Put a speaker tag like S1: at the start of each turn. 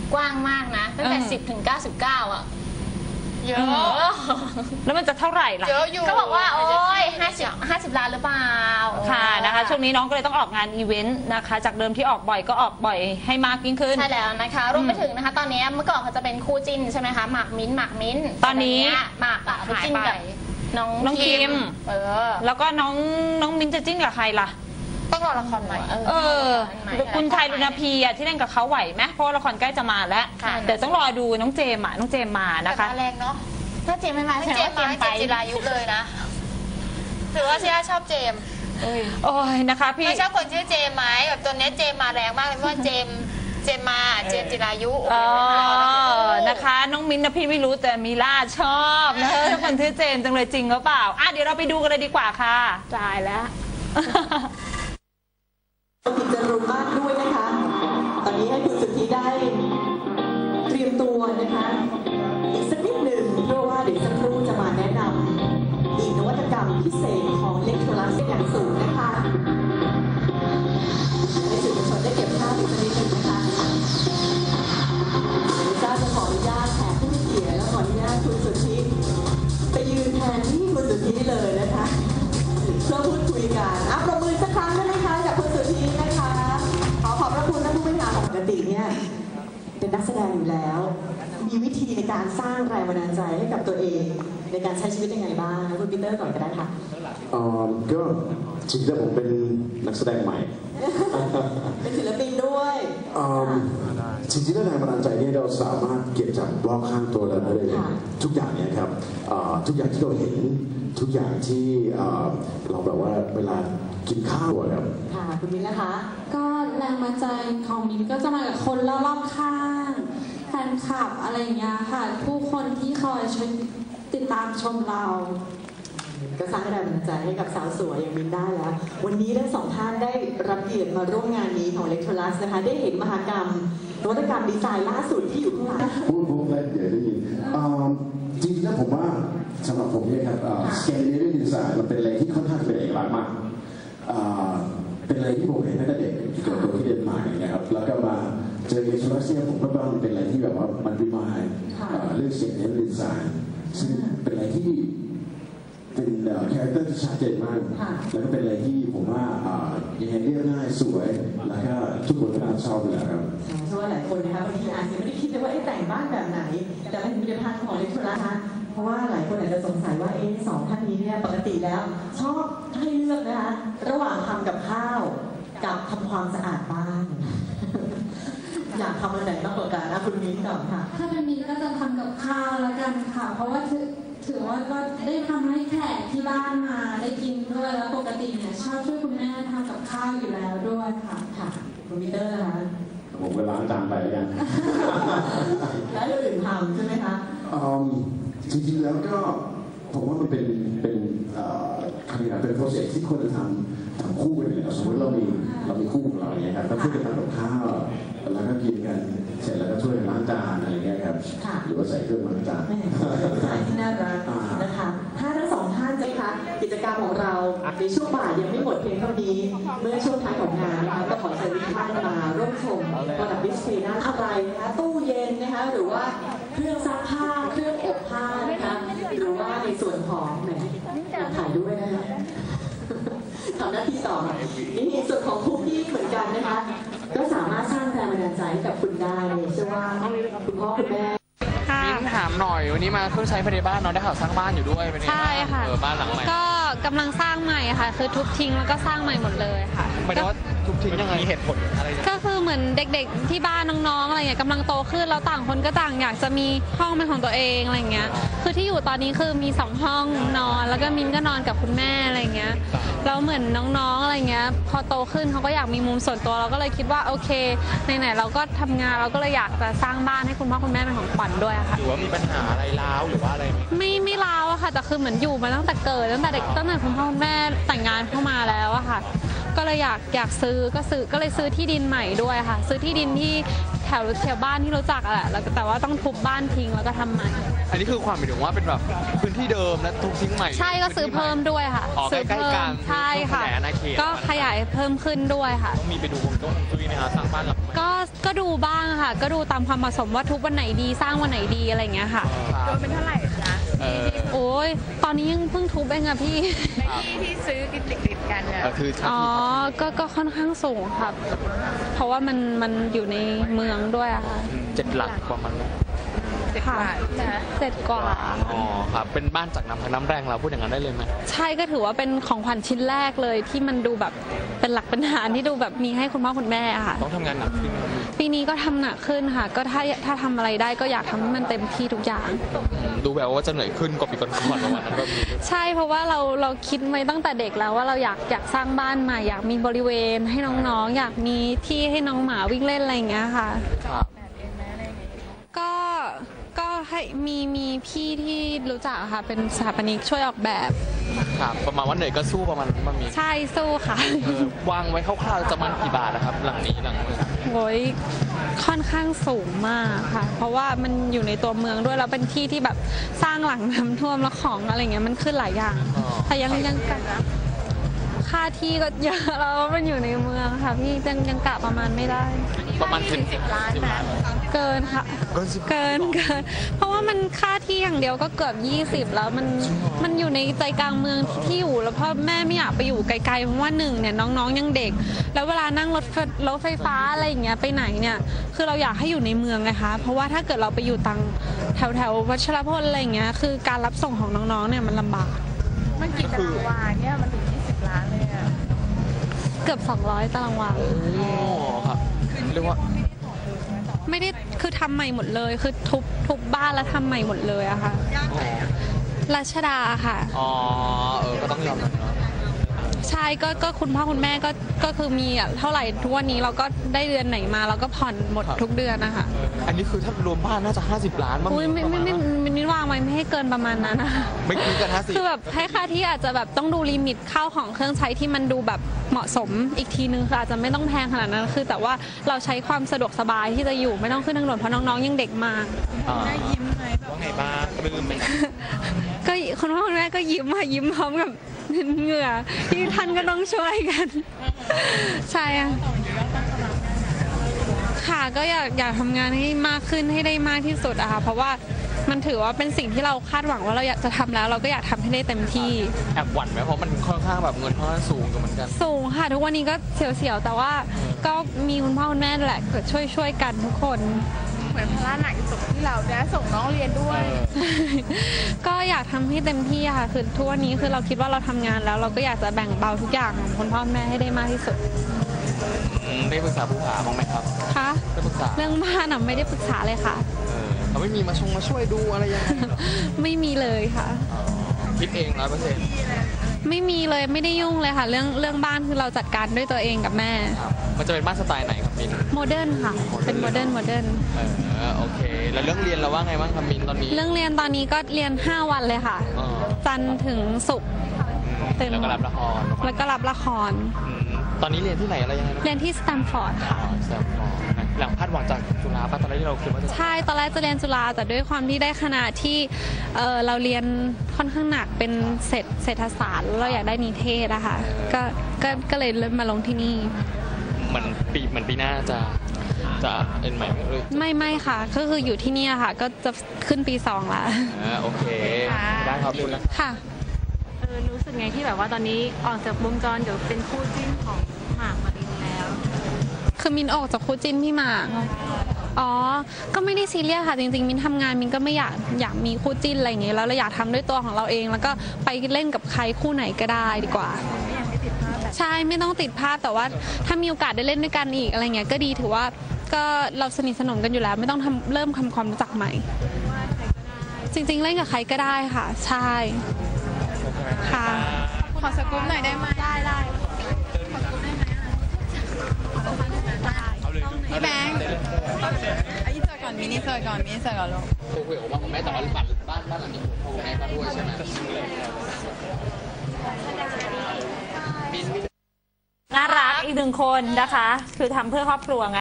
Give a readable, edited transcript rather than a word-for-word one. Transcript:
S1: กว้างมากนะตั้งแต่10 ถึง 99อ่ะ
S2: เยอะ
S3: แล้วมันจะเท่าไหร่ล่ะ
S2: เยอะอยู่
S1: ก็บอกว่าโอ้ย50 ล้านหรือเปล่า
S3: ค่ะนะคะช่วงนี้น้องก็เลยต้องออกงานอีเวนต์นะคะจากเดิมที่ออกบ่อยก็ออกบ่อยให้มากยิ่งขึ้น
S1: ใช่แล้วนะคะรวมไปถึงนะคะตอนนี้เมื่อก่อนเขาจะเป็นคู่จิ้นใช่ไหมคะหมากมิ้น
S3: ตอนนี้
S1: หมากอะหายไป
S3: น้องคิมแล้วก็น้องมิ้นจะจิ้นกับใครล่ะ
S2: ต้องรอละครใหม่
S3: คุณไทยลุณพีอ่ะที่เล่นกับเขาไหวไหมเพราะละครใกล้จะมาแล้วเดี๋ยวต้องรอดูน้องเจมมานะคะ
S2: แรงเนาะ
S1: ถ้าเจมไม่มา
S2: เจมไปจิรายุเลยนะหรือว่าเชียร์ชอบเจม
S3: โอ้ยนะคะพี่
S2: ไม่ชอบคนชื่อเจมไหมแบบตัวนี้เจมมาแรงมากเลยเพราะว่าเจมจิรายุ
S3: นะคะน้องมิ้นนะพี่ไม่รู้แต่มีล่าชอบนะถ้าคนชื่อเจมจังเลยจริงหรือเปล่าเดี๋ยวเราไปดูกันเลยดีกว่าค่ะ
S1: ตายแล้ว
S4: กิจรุมากด้วยนะคะตอนนี้ให้คุณสุทธิได้เตรียมตัวนะคะอีกสักนิดหนึ่งเพราะว่าเดี๋ยวสักครู่จะมาแนะนำอีกนวัตกรรมพิเศษของเล็กโทรลัสอย่างสูงนะคะให้สื่อมวลชนได้เก็บภาพอีกสักนิดหนึ่งนะคะเจ้าจะขออนุญาตแขกผู้มีเกียรติและขออนุญาตคุณสุทธิไปยืนแทนที่คุณสุทธิเลยนะคะเพื่อพูดคุยกันประมือสักครั้งได้ไหมคะจากคุณสุทธินะคะขอบพระคุณท่านผู้บริหารของปกติเนี่ยเป็นนักแสดงอยู่แล้วมีวิธีในการสร้างแรงบันดาลใจให้กับตัวเองในการใช้ชีวิตยังไงบ้างคุณปีเตอร์ก่อนก็ได้ค่ะ
S5: ก็จริงๆแล้วผมเป็นนักแสดงใหม่
S4: เป็นศิลปินด้วย
S5: จริงๆแล้วแรงบันดาลใจนี่เราสามารถเก็บจากรอบข้างตัวเราได้เลยทุกอย่างเนี่ยครับทุกอย่างที่เราเห็นทุกอย่างที่เราแบบว่าเวลากินข้าวครับ
S4: ค่ะคุณมิ้นนะคะ
S6: ก็แรงบันดาลใจของมิ้นก็จะมาจากคนรอบข้างแฟนคลับอะไรอย่างเงี้ยค่ะผู้คนที่คอยช่วยติดตามชมเรา
S4: ก็สร้างแรงบันดาลใจให้กับสาวสวยอย่างมิ้นได้แล้ววันนี้ทั้งสองท่านได้รับเกียรติมาร่วมงานนี้ของเล็กโทรลัสนะคะได้เห็นมหกรรมนวัตกรรมดีไซน์ล่าสุดที่อยู่ข้างหลัง
S5: พูดแล้วเดี๋ยวได้ยินจริงๆแล้วผมว่าสำหรับผมเนี่ยครับสแกนดิเนเวียนดีไซน์มันเป็นอะไรที่ค่อนข้างเป็นเอกลักษณ์มากเป็นอะไรที่ผมเห็นตั้งแต่เด็กเกิดตัวที่เดนมาร์กนะครับแล้วก็มาเจอเล็กโทรลัสเนี่ยผมก็ว่ามันเป็นอะไรที่แบบว่ามันรีมายเรื่องสแกนดิเนเวียนดีไซน์ซึ่งเป็นอะไรที่เป็นคาแรคเตอร์ที่ชัดเจนมากแล้วก็เป็นอะไรที่ผมว่ายังไงเรียบง่ายสวยแล้วก็ทุกคนก็น่าชอบเลยครับ
S4: เชื่อว่าหลายคนนะคะบางทีอาจจะไม่ได้คิดเลยว่าแต่งบ้านแบบไหนแต่เป็นผลิตภัณฑ์ของเล็กโทรลัสนะคะเพราะว่าหลายคนอาจจะสงสัยว่าสองท่านนี้เนี่ยปกติแล้วชอบให้เลือกนะคะระหว่างทำกับข้าวกับทำความสะอาดบ้านอยากทำอันไหนมากกว่ากันนะคุณมิ้นก่อนค่ะ
S6: ถ้าเป็นมิ้นก็จะทำกับข้าวแล้วกันค่ะเพราะว่าถือว่าก็ได้ทำให้แขกที่บ้านมาได้กินด้วยแล้วปกติเนี่ยชอบช่วยคุณแม่ทำกับข้าวอยู่แล้วด้วยค่ะ
S4: คุณมิเตอร์นะคะ
S5: ผมก็ล้างจานไปแล้วกัน
S4: แล้วอื่นทำใช่ไหมคะ
S5: จริงๆแล้วก็ผมว่ามันเป็นคำนี้เป็นโปรเซสที่ควรจะทำคู่กันเลยสมมติเรามีคู่ของเราอย่างเงี้ยครับก็ช่วยกันทำกับข้าวแล้วก็กินกันเสร็จแล้วก็ช่วยกันล้างจานอะไรเงี้ยครับหรือว่าใส่เครื่องล้างจาน
S4: ที่น่ารักนะคะถ้าทั้งสองท่านจะคะกิจกรรมของเราในช่วงบ่ายยังไม่หมดเพียงเท่านี้เมื่อช่วงท้ายของงานนะคะก็ขอเชิญทุกท่านมาร่วมชมประดับดิสเพลย์นั้นอะไรนะคะตู้เย็นนะคะหรือว่าเครื่องซักผ้าเครื่องอบผ้านะคะหรือว่าในส่วนของแหมถ่ายด้วยนะคะทำหน้าที่ต่อนี่ส่วนของคุกกี้เหมือนกันนะคะก็สามารถสร้างแรงบันดาลใจให้กับคุณได้เชื่อว่าคุณพ่อคุณแม่
S7: มิ้นถามหน่อยวันนี้มาเครื่องใช้ภายในบ้านเนาะได้ข่าวสร้างบ้านอยู่ด้วยเป็นไง
S8: ใช่ค่ะ
S7: บ้านหลังใหม่
S8: ก็กำลังสร้างใหม่ค่ะคือทุบทิ้งแล้วก็สร้างใหม่หมดเลยค่ะ
S7: หมายถึงว่าทุบทิ้งยังไงมีเหตุผลอะไร
S8: ก็คือเหมือนเด็กๆที่บ้านน้องๆอะไรเงี้ยกำลังโตขึ้นแล้วต่างคนก็ต่างอยากจะมีห้องเป็นของตัวเองอะไรเงี้ยคือที่อยู่ตอนนี้คือมี2ห้องนอนแล้วก็มิ้นก็นอนกับคุณแม่อะไรเงี้ยแล้วเหมือนน้องๆอะไรเงี้ยพอโตขึ้นเขาก็อยากมีมุมส่วนตัวเราก็เลยคิดว่าโอเคไหนๆเราก็ทำงานเราก็เลยอยากจะสร้างบ้านให้คุณพ่อคุณแม่เป็นของขวัญด้วยค่ะ
S7: หรือว่ามีปัญหาอะไรร้าวหรือว่าอะไร
S8: ไม่ร้าวอะค่ะแต่คือเหมือนอยู่มาตั้งแต่เกิดตั้งแต่เด็กตั้งแต่คุณพ่อคุณแม่แต่งงานเข้ามาแล้วอะค่ะก็เลยอยากซื้อก็เลยซื้อที่ดินใหม่ด้วยค่ะซื้อที่ดินที่แถวบ้านที่รู้จักอะแหละแต่ว่าต้องทุบบ้านทิ้งแล้วก็ทำใหม่
S7: อันนี้คือความหมายถึงว่าเป็นแบบพื้นที่เดิมและทุบทิ้งใหม่
S8: ใช่ก็ซื้อเพิ่มด้วยค่ะ
S7: ซื้อเพิ่ม
S8: ใช่ค่ะก็ขยายเพิ่มขึ้นด้วยค่ะ
S7: ต้องมีไปดูวงจุ้ยไหมคะสร้างบ้านหลัง
S8: ก็ดูบ้างค่ะ ก็ดูตามความเหมาะสมว่าทุกวันไหนดีสร้างวันไหนดีอะไรอย่างเงี้ยค่ะ
S2: โดนเป็นเท่าไหร่คะ
S8: โอ้ยตอนนี้ยังเพิ่งทุบเองอะพี่
S2: ที่ซื้อติดกันเนี่ย
S7: คือ
S8: อ๋อก็ค่อนข้างสูงครับ เพราะว่ามันอยู่ในเมืองด้วยอะค่ะ
S7: 7 หลักประมาณนั้น
S8: ค่ะเสร็จกว่า
S7: อ๋อครับเป็นบ้านจากน้ำแรงเราพูดอย่างนั้นได้เลยไหม
S8: ใช่ก็ถือว่าเป็นของขวัญชิ้นแรกเลยที่มันดูแบบเป็นหลักเป็นฐานที่ดูแบบมีให้คุณพ่อคุณแม่อะค่ะ
S7: ต้องทำงานหนักขึ้นไหมครับ
S8: ปีนี้ก็ทำหนักขึ้นค่ะ ก็ถ้าทำอะไรได้ก็อยากทำให้มันเต็มที่ทุกอย่าง
S7: ดูแบบว่าจะเหนื่อยขึ้นกว่าปีก่อนๆประมาณนั้นก็มี
S8: ใช่เพราะว่าเราคิดไว้ตั้งแต่เด็กแล้วว่าเราอยากสร้างบ้านใหม่อยากมีบริเวณให้น้องๆอยากมีที่ให้น้องหมาวิ่งเล่นอะไรอย่างเงี้ยค่ะ
S7: ครับ
S8: ก็ให้มีพี่ที่รู้จักค่ะเป็นสถาปนิกช่วยออกแบบ
S7: ครับประมาณว่าเหนื่อยก็สู้ประมาณนั้นมันมี
S8: ใช่สู้ค่ะ
S7: วางไว้คร่าวๆจะมันกี่บาทนะครับ หลังนี้หลังนี้
S8: โอ้ยค่อนข้างสูงมากค่ะ เพราะว่ามันอยู่ในตัวเมืองด้วยแล้วเป็นที่ที่แบบสร้างหลังน้ำท่วมแล้วของอะไรเงี้ยมันขึ้นหลายอย่างแต่ยังกะค่าที่ก็เยอะแล้วมันอยู่ในเมืองค่ะพี่ยังกะประมาณไม่ได้
S7: ประมาณ10 ล้านนะ
S8: เกินค่ะ เกินเพราะว่ามันค่าที่อย่างเดียวก็เกือบ20แล้วมันอยู่ในใจกลางเมืองที่อยู่แล้วพ่อแม่ไม่อยากไปอยู่ไกลๆเพราะว่าหนึ่งเนี่ยน้องๆยังเด็ก แล้วเวลานั่งรถไฟฟ้าอะไรอย่างเงี้ยไปไหนเนี่ยคือเราอยากให้อยู่ในเมืองไงคะเพราะว่าถ้าเกิดเราไปอยู่ตังแถววัชรพลอะไรอย่างเงี้ยคือการรับส่งของน้องๆเนี่ยมันลำบาก
S2: มันกี่ตารางวาเนี่ยมันถึง20 ล้านเลยอะ
S8: เกือบ200ตารางวา
S7: โอ้ครับเรียกว่า
S8: ไม่ได้คือทำใหม่หมดเลยคือทุบบ้านแล้วทำใหม่หมดเลยอะค่ะรัชดาค่ะ
S7: อ๋อก็ต้องยอมรับเนาะ
S8: ใช่ก็คุณพ่อคุณแม่ก็คือมีอะเท่าไหร่ทุกวันนี้เราก็ได้เดือนไหนมาเราก็ผ่อนหมดทุกเดือนนะคะ
S7: อันนี้คือถ้ารวมบ้านน่าจะ50 ล้านบ้าง
S8: อุ้ยไม่วางไว้ไม่ให้เกินประมาณนั้นนะ
S7: ไม่เกิน50
S8: คือแบบให้ค่าที่อาจจะแบบต้องดูลิมิตข้าวของเครื่องใช้ที่มันดูแบบเหมาะสมอีกทีนึงคืออาจจะไม่ต้องแพงขนาดนั้นคือแต่ว่าเราใช้ความสะดวกสบายที่จะอยู่ไม่ต้องขึ้นทางด่วนเพราะน้องๆยังเด็กมาก
S7: ได้ยิ้มไหมว่าไงบ้างปลื้มไหม
S8: ก็คุณพ่อคุณแม่ก็ยิ้มมายิ้มพร้อมกับเหงื่อที่ท่านก็ต้องช่วยกัน ใช่ค่ะก็อยากทำงานให้มากขึ้นให้ได้มากที่สุดอะค่ะเพราะว่ามันถือว่าเป็นสิ่งที่เราคาดหวังว่าเราอยากจะทำแล้วเราก็อยากทำให้ได้เต็มที่
S7: แอบหวั่นไหมเพราะมันค่อนข้างแบบเงินค่อนข้างสูงเหมือนกัน
S8: สูงค่ะทุกวันนี้ก็เสียวๆแต่ว่าก็มีคุณพ่อคุณแม่แหละช่วยกันทุกคน
S2: เหมือนภาระหนักที่สุดที่เราจะส่งน้องเรียนด้วย
S8: ก็อยากทำให้เต็มที่ค่ะคือทุกวันนี้คือเราคิดว่าเราทำงานแล้วเราก็อยากจะแบ่งเบาทุกอย่างของคุณพ่อแม่ให้ได้มากที่สุด
S7: ได้ปรึกษาผู้หาบ้างไหมครับ
S8: คะ
S7: ได้ปรึกษา
S8: เรื่องบ้านอ่ะไม่ได้ปรึกษาเลยค่ะ
S7: เขาไม่มีมาช่วยดูอะไรยังไงเหรอ
S8: ไม่มีเลยค่ะ
S7: คิดเอง100%
S8: ไม่มีเลยไม่ได้ยุ่งเลยค่ะ เรื่องบ้านคือเราจัดการด้วยตัวเองกับแม่
S7: มันจะเป็นบ้านสไตล์ไหนครับมิน
S8: โมเดิร์นค่ะเป็นโมเดิร์น
S7: โอเค แล้วเรื่องเรียนเราว่าไงบ้างครับมินตอนนี้
S8: เรื่องเรียนตอนนี้ก็เรียน5 วันเลยค่ะ จันทร์ถึงศุกร์เต็ม
S7: แล้วก็รับละคร
S8: แล้วก็รับละคร
S7: ตอนนี้เรียนที่ไหนอะไรยังไงนะ
S8: เรียนที่สแตมฟอร์ดค่ะ
S7: แซมฟอร์ดหลังคาดหวังจากจุฬาป่ะตอนแรกที่เราคิดว่าจะ
S8: ใช่ตอนแรกจะเรียนจุฬาแต่ด้วยความที่ได้คณะที่เราเรียนค่อนข้างหนักเป็นเศรษฐศาสตร์แล้วเราอยากได้นิเทศอะค่ะก็เลยเริ่มมาลงที่นี่
S7: เหมือนปีหน้าจะเอ็นใหม่เลย
S8: ไม่ค่ะก็คืออยู่ที่นี่ค่ะก็จะขึ้นปี2ละ
S7: โอเคได้ครับคุณแล้ว
S8: ค่ะ
S9: รู้สึกไงที่แบบว่าตอนนี้ออกจากวงจรเดี๋ยวเป็นคู่จิ้นของหมากมารินแล้ว
S8: คือมินออกจากคู่จิ้นพี่หมากอ๋อก็ไม่ได้ซีเรียสค่ะจริงๆมินทำงานมินก็ไม่อยากมีคู่จิ้นอะไรอย่างเงี้ยแล้วเราอยากทำด้วยตัวของเราเอง แล้วก็ไปเล่นกับใครคู่ไหนก็ได้ดีกว่าใช่ไม่ต้องติดภาพแต่ว่าถ้ามีโอกาสได้เล่นด้วยกันอีกอะไรเงี้ยก็ดีถือว่าก็เราสนิทสนมกันอยู่แล้วไม่ต้องเริ่มทำความรู้จักใหม่จริงๆเล่นกับใครก็ได้ค่ะใช่ค่ะ
S2: ขอสกู๊ปหน่อยได้ไหมได้พี่แบงค์อินเสิร์ตก่อนมินิเสิร์ตก่อนลูก
S7: คุยกับว่าของแม่แต่ว่าบ้านหลังนี้ของแม่ก็ด้วยใช่ไหม
S3: น่ารักอีก1 คนนะคะคือทำเพื่อครอบครัวไง